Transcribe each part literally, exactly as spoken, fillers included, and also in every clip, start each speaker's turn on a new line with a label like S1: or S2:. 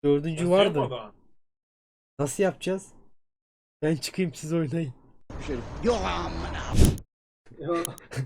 S1: Dördüncü
S2: Nasıl
S1: vardı.
S2: yapmadan?
S1: Nasıl yapacağız? Ben çıkayım, siz oynayın.
S3: Yok amına.
S4: Ya.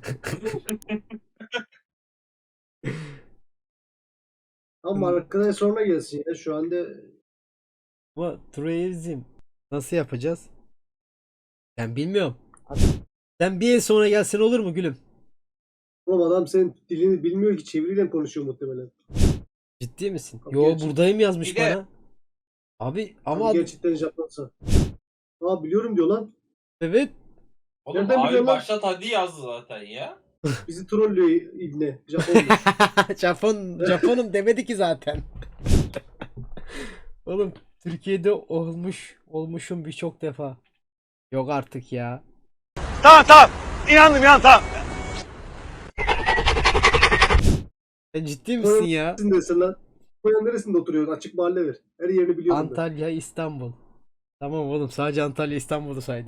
S4: Ama arkadaş sonra gelsin ya. Şu anda
S1: Ama Trueizm nasıl yapacağız? Ben bilmiyorum. Sen bir el sonra gelsen olur mu gülüm?
S4: oğlum adam senin dilini bilmiyor ki, çeviriyle konuşuyor muhtemelen.
S1: Ciddi misin?
S4: Abi
S1: Yo,
S4: gerçek-
S1: buradayım yazmış
S2: Bir de-
S1: bana. Abi ama
S4: Ama
S1: ad-
S4: gerçekten Japonsa. Aa biliyorum diyor lan.
S1: evet.
S2: Oğlum
S4: Nereden
S2: abi
S4: biliyorsun lan?
S2: başlat hadi yazdı zaten ya.
S4: Bizi trollüyor ibne. Japonlu.
S1: Japon Japonum demedi ki zaten. Oğlum Türkiye'de olmuş olmuşum birçok defa. Yok artık ya.
S3: Tamam tamam. İnandım ya tamam.
S1: Sen ciddi misin ya?
S4: Neresindesin lan? Koyan neresinde oturuyorsun? Açık mahalle ver. Her yerini biliyorum ben.
S1: Antalya, İstanbul. Tamam oğlum, sadece Antalya, İstanbul'u saydı.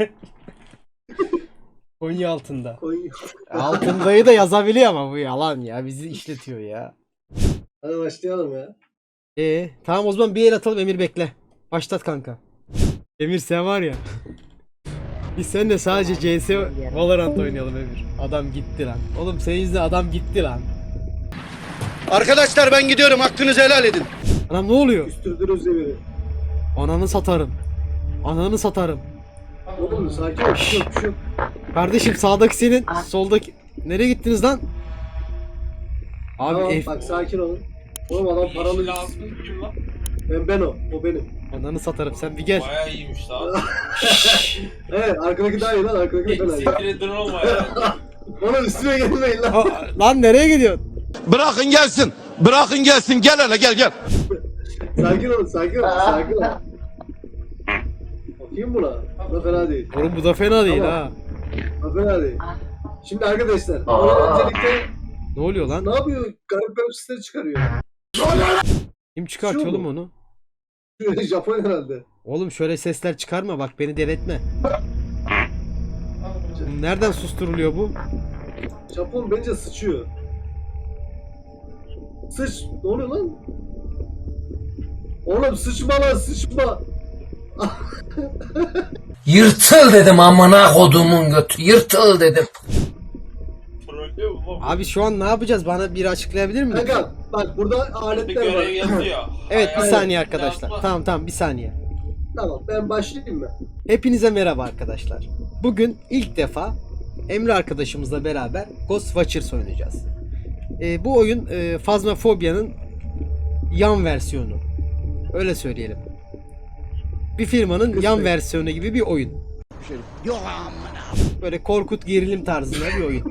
S1: Konya altında.
S4: Konya.
S1: Altındayı da yazabiliyor ama bu yalan ya. Bizi işletiyor ya.
S4: Hadi başlayalım ya.
S1: Ee, tamam o zaman bir el atalım, Emir bekle. Başlat kanka. Emir sen var ya. Biz seninle sadece C S Valorant oynayalım Emir. Adam gitti lan. Oğlum senin yüzünden adam gitti lan.
S3: Arkadaşlar ben gidiyorum. Hakkınızı helal edin.
S1: Anam ne oluyor?
S4: Üstürdünüz demiri.
S1: Ananı satarım. Ananı satarım.
S4: Oğlum sakin ol. Bir şey yok, bir şey yok.
S1: Kardeşim sağdaki senin, soldaki... Nereye gittiniz lan? Abi
S4: Tamam,
S1: F...
S4: bak sakin olun. Oğlum adam paralı.
S2: Yeşil lazım kim lan?
S4: Ben, ben o. O benim.
S1: Ananı satarım, sen bir gel.
S2: Bayağı iyiymiş lan.
S4: Evet arkadaki daha iyi lan. Arkadaki daha iyi.
S2: Siktir edin olma ya.
S4: Oğlum üstüme gelmeyin lan.
S1: Aa, lan nereye gidiyorsun?
S3: Bırakın gelsin. Bırakın gelsin. Gel hele gel gel.
S4: Sakin olun, sakin olun, sakin olun. Bakayım buna. Bu da fena değil.
S1: Oğlum bu da fena değil
S4: Tamam.
S1: ha.
S4: Bu da fena değil. Şimdi arkadaşlar, oyun öncelikle
S1: Ne oluyor lan?
S4: ne yapıyor? Garip garip sesler çıkarıyor.
S1: Kim çıkartıyor
S4: Şu
S1: oğlum
S4: mu?
S1: onu?
S4: Japon herhalde.
S1: Oğlum şöyle sesler çıkarma, bak beni delirtme. Nereden susturuluyor bu?
S4: Japon bence sıçıyor. Sıç. Ne oluyor lan? Oğlum sıçma lan, sıçma.
S5: Yırtıl dedim amına kodumun götü. Yırtıl dedim.
S2: Trollüyor mu lan?
S1: Abi şu an ne yapacağız? Bana bir açıklayabilir mi? lütfen?
S4: Kanka bak burada
S2: Bir
S4: aletler
S2: görev
S4: var.
S2: yazıyor.
S1: Evet bir
S2: Hayal-
S1: saniye arkadaşlar.
S2: Yazma.
S1: Tamam tamam bir saniye.
S4: Tamam ben başlayayım mı?
S1: Hepinize merhaba arkadaşlar. Bugün ilk defa Emre arkadaşımızla beraber Ghost Watchers oynayacağız. Ee, bu oyun e, Phasmophobia'nın yan versiyonu. Öyle söyleyelim. Bir firmanın yan
S4: Kısmet.
S1: versiyonu gibi bir oyun.
S3: Yok amına.
S1: Böyle korkut gerilim tarzında bir oyun.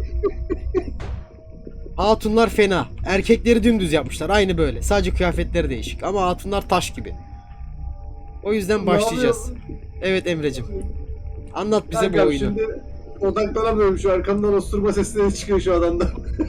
S1: Hatunlar fena. Erkekleri dümdüz yapmışlar. Aynı böyle. Sadece kıyafetleri değişik. Ama hatunlar taş gibi. O yüzden
S4: Ne
S1: başlayacağız.
S4: yapıyor?
S1: Evet Emre'cim. Anlat bize bu
S4: Kankam,
S1: oyunu.
S4: şimdi odaklanamıyorum, şu arkamdan osturma sesleri çıkıyor şu adamdan.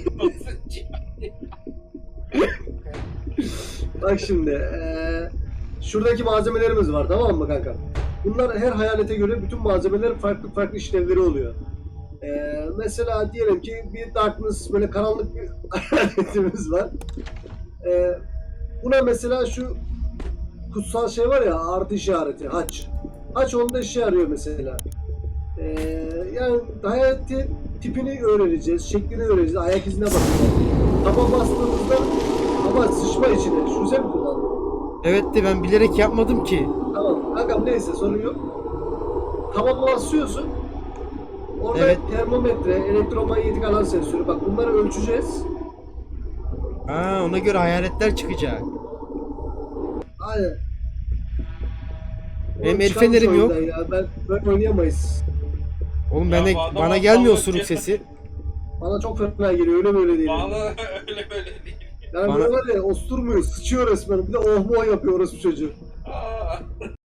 S4: Bak şimdi eee, şuradaki malzemelerimiz var, tamam mı kanka? Bunlar her hayalete göre bütün malzemelerin farklı farklı işlevleri oluyor. Eee, mesela diyelim ki bir darkness, böyle karanlık bir hayaletimiz var. Eee, buna mesela şu kutsal şey var ya, artı işareti, haç. Haç onda işe yarıyor mesela. Eee yani hayaletin tipini öğreneceğiz, şeklini öğreneceğiz, ayak izine bakacağız. Taba bastığımızda ama sıçma içine, şu güzel mi kullandın?
S1: Evet de ben bilerek yapmadım ki.
S4: Tamam kankam, neyse sorun yok. Taba basıyorsun. Orada
S1: Evet.
S4: termometre, elektromanyetik alan sensörü, bak bunları ölçeceğiz.
S1: Aa, ona göre hayaletler çıkacak.
S4: Aynen.
S1: Benim
S4: Oğlum
S1: el
S4: çıkarmış
S1: fenerim yok.
S4: oyundan Ya. Ben, ben oynayamayız.
S1: Oğlum
S2: Ya
S1: bana,
S2: bu adam
S1: bana gelmiyor
S2: aptallık
S1: osuruk
S2: ya.
S1: sesi.
S4: Bana çok fena geliyor, öyle böyle değil.
S2: Bana öyle böyle değil.
S4: Yani
S1: Bana-
S4: böyle var ya, osturmuyor, sıçıyor resmen. Bir de oh mu yapıyor orası çocuğu.
S2: Aa.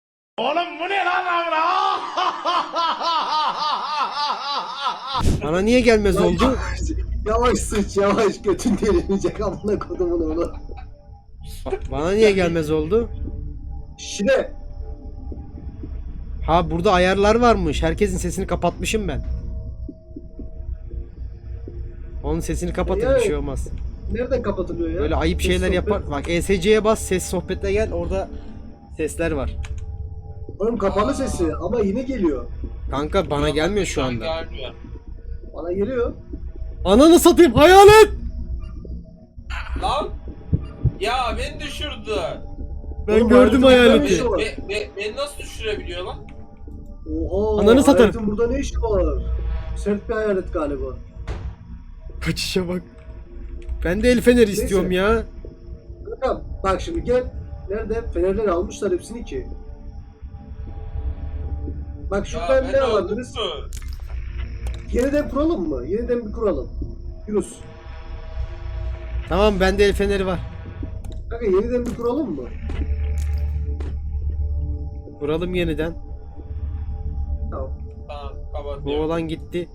S1: Bana niye gelmez oldu?
S4: Yavaş sıç, yavaş, götün derinecek amına kodumun oğlu.
S1: Bana niye gelmez oldu?
S4: Şile.
S1: Ha burada ayarlar varmış. Herkesin sesini kapatmışım ben. Onun sesini kapatın, bir
S4: Yani-
S1: şey olmaz.
S4: nereden kapatılıyor ya?
S1: Böyle ayıp
S4: Ses
S1: şeyler
S4: sohbet.
S1: yapar. Bak E S C'ye bas, ses sohbete gel. Orada sesler var.
S4: Oğlum kapalı sesi ama yine geliyor.
S1: Kanka bana gelmiyor şu anda.
S2: Gelmiyor.
S4: Bana geliyor.
S1: Ananı satayım hayalet.
S2: Lan! Ya beni düşürdü.
S1: Ben
S4: Oğlum,
S1: gördüm
S4: hayaletin
S1: hayaleti.
S4: burada ne
S2: Be, be, beni nasıl düşürebiliyor lan?
S4: Oha.
S1: Ananı satarım.
S4: Hayaletin burada ne işi var? Sert bir hayalet galiba.
S1: Kaçışa bak. Ben de el feneri istiyorum ya.
S4: Kankam bak şimdi gel. Nerede? Fenerleri almışlar hepsini ki. Bak
S2: Ya
S4: şuradan
S2: beni
S4: ne alabiliriz?
S2: öldürdü.
S4: Yeniden kuralım mı? Yeniden bir kuralım. Yunus.
S1: Tamam bende el feneri var.
S4: Kanka yeniden bir kuralım mı?
S1: Vuralım yeniden.
S4: Tamam.
S2: Tamam
S1: Bu
S2: kapatıyorum.
S1: olan gitti.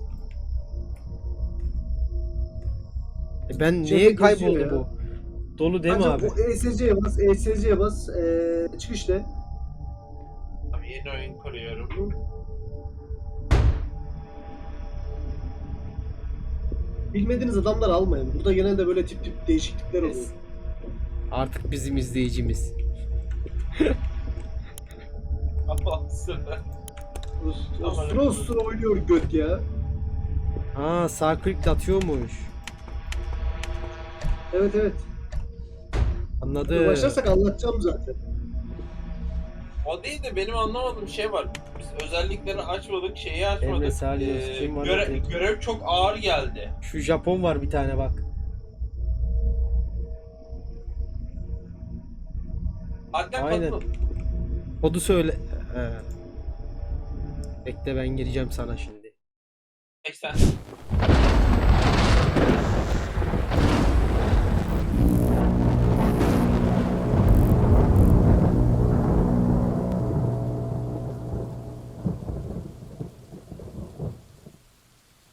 S1: E ben
S4: Cebe
S1: neye
S4: geziyor
S1: kayboldu
S4: ya.
S1: bu? Dolu değil mi
S4: Ancak
S1: abi?
S4: o E S C'ye bas, E S C'ye bas, ee, çıkış de.
S2: Tamam, yeni oyun kuruyorum.
S4: Bilmediğiniz adamlar almayın. Burada genelde böyle tip tip değişiklikler oluyor.
S1: Yes. Artık bizim izleyicimiz.
S2: Allah'sın.
S4: Ostra ostra oynuyor göt ya.
S1: Aa sağ klikle atıyormuş.
S4: Evet evet.
S1: Anladım.
S4: Başlarsak anlatacağım zaten.
S2: O değil de benim anlamadığım şey var. Biz özellikleri açmadık, şeyi
S1: Emre
S2: açmadık.
S1: Salih, kim var
S2: göre-
S1: bakayım?
S2: görev çok ağır geldi.
S1: Şu Japon var bir tane bak.
S2: Hatta
S1: Aynen.
S2: katıl.
S1: Kodu söyle. He. Bekle ben gireceğim sana şimdi.
S2: seksen.